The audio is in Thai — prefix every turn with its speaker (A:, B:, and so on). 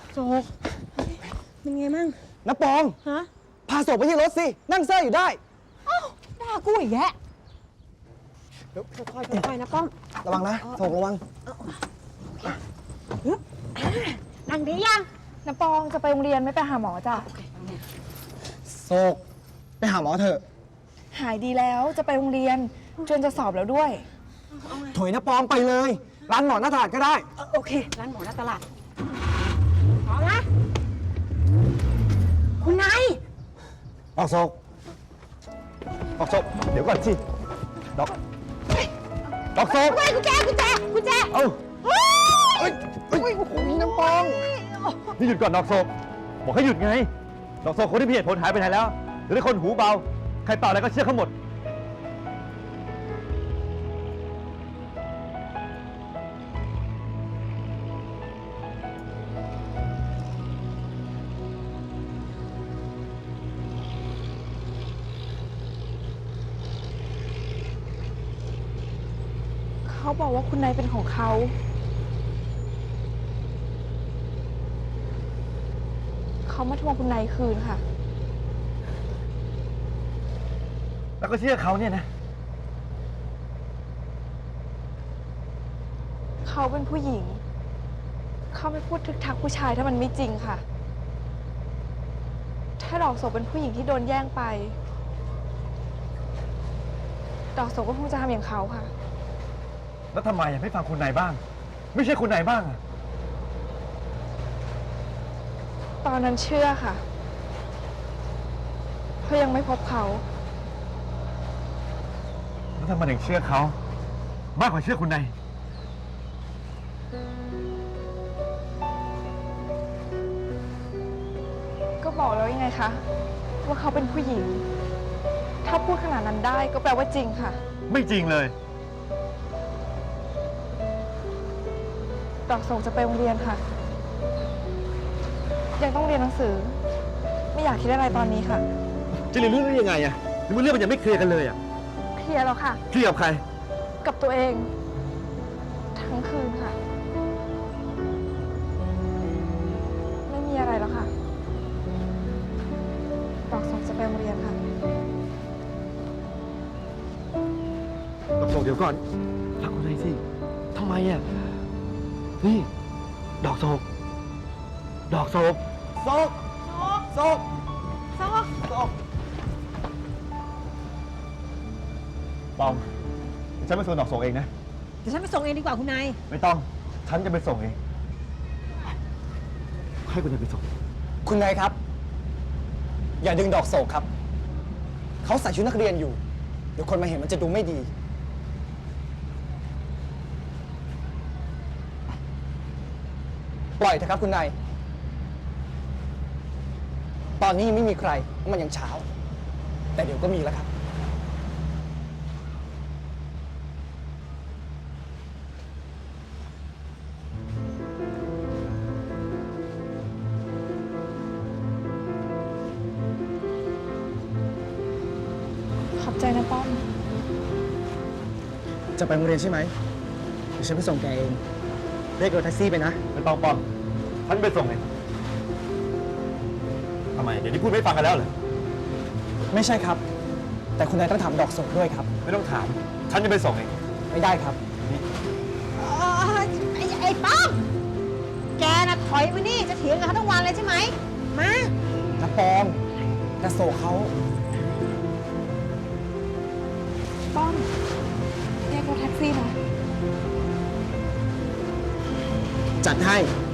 A: โศกเป็นไงมั่ง
B: น้าปอง
A: ฮะ
B: พาโศกไปที่รถสินั่งเซ่ออยู่ได้
A: อ้าวด่ากูอีกแยะเดี๋ยวค่อยๆนะป้อม
B: ระวังนะโศกระวัง
A: นั่งดียัง
C: น้ำปองจะไปโรงเรียนไม่ไปหาหมอจ้ะ
B: โศกไปหาหมอเถอะ
C: หายดีแล้วจะไปโรงเรียนจนจะสอบแล้วด้วย
B: ถอยน้าปองไปเลยร้านหมอหน้าตลาดก็ได้
A: โอเคร้านหมอหน้าตลาดพร้อมนะคุณนาย
B: ออกโศกเดี๋ยวก่อนสิดอกโศก
A: กุญแจ
B: เอ้าเฮ้ยโอ้โหน้ำปอง
D: นี่หยุดก่อนดอกโศกบอกให้หยุดไงดอกโศกคนที่มีเหตุผลหายไปไหนแล้วหรือได้คนหูเบาใครเปล่าอะไรก็เชื่อเขาหมด
C: เขาบอกว่าคุณนายเป็นของเขามาทวงคุณนายคืนค่ะ
D: แล้วก็เชื่อเขาเนี่ยนะ
C: เขาเป็นผู้หญิงเขาไม่พูดทึกทักผู้ชายถ้ามันไม่จริงค่ะถ้าดอกโศกเป็นผู้หญิงที่โดนแย่งไปดอกโศกก็คงจะทำอย่างเขาค่ะ
D: แล้วทำไมไม่ฟังคุณนายบ้างไม่ใช่คุณนายบ้างอะ
C: ตอนนั้นเชื่อค่ะเพราะยังไม่พบเขา
D: แล้วทำไมถึงเชื่อเขามากกว่าเชื่อคุณนาย
C: ก็บอกแล้วยังไงคะว่าเขาเป็นผู้หญิงถ้าพูดขนาดนั้นได้ก็แปลว่าจริงค่ะ
D: ไม่จริงเลย
C: ดอกโศกจะไปโรงเรียนค่ะยังต้องเรียนหนังสือไม่อยากคิดอะไรตอนนี้ค่ะ
D: จะเรียนเรื่องนี้ยังไงอะหรือว่าเรื่องมันยังไม่เคลียร์กันเลยอะ
C: เคลียร์แล้วค่ะ
D: เคลียร์กับใคร
C: กับตัวเองทั้งคืนค่ะไม่มีอะไรแล้วค่ะดอกโศกจะไปโรงเรียนค่ะ
D: ดอกโศกเดี๋ยวก่อนฟังคุณนายสิทำไมอะนี่ดอกโศกปองฉันไปส่งดอกโศกเองนะ
A: เดี๋ยวฉันไปส่งเองดีกว่าคุณนาย
D: ไม่ต้องฉันจะไปส่งเองให้คุณนายไปส่ง
B: คุณนายครับอย่าดึงดอกโศกครับเขาใส่ชุดนักเรียนอยู่เดี๋ยวคนมาเห็นมันจะดูไม่ดีปล่อยเถอะครับคุณนายตอนนี้ยังไม่มีใครเพราะมันยังเช้าแต่เดี๋ยวก็มีแล้วครับ
C: ขอบใจนะป้อม
B: จะไปโรงเรียนใช่ไหมเดี๋ยวฉันไปส่งแกเองเรียกรถแท็กซี่ไปนะ
D: ไม่ต้องป้อมฉันไปส่งเองทำไมเดี๋ยวนี้พูดไม่ฟังกันแล้วเหรอ
B: ไม่ใช่ครับแต่คุณนายต้องถามดอกโศกด้วยครับ
D: ไม่ต้องถามฉันจะไปส่งเอง
B: ไม่ได้ครับ
A: ไอ้ป้อมแกน่ะถอยมานี่จะเถียงกับเขาทั้งวันเลยใช่ไหมมา
B: น้าปองน้าโศกเขา
C: ป้อมเรียกรถแท็กซี่นะ
B: จัดให้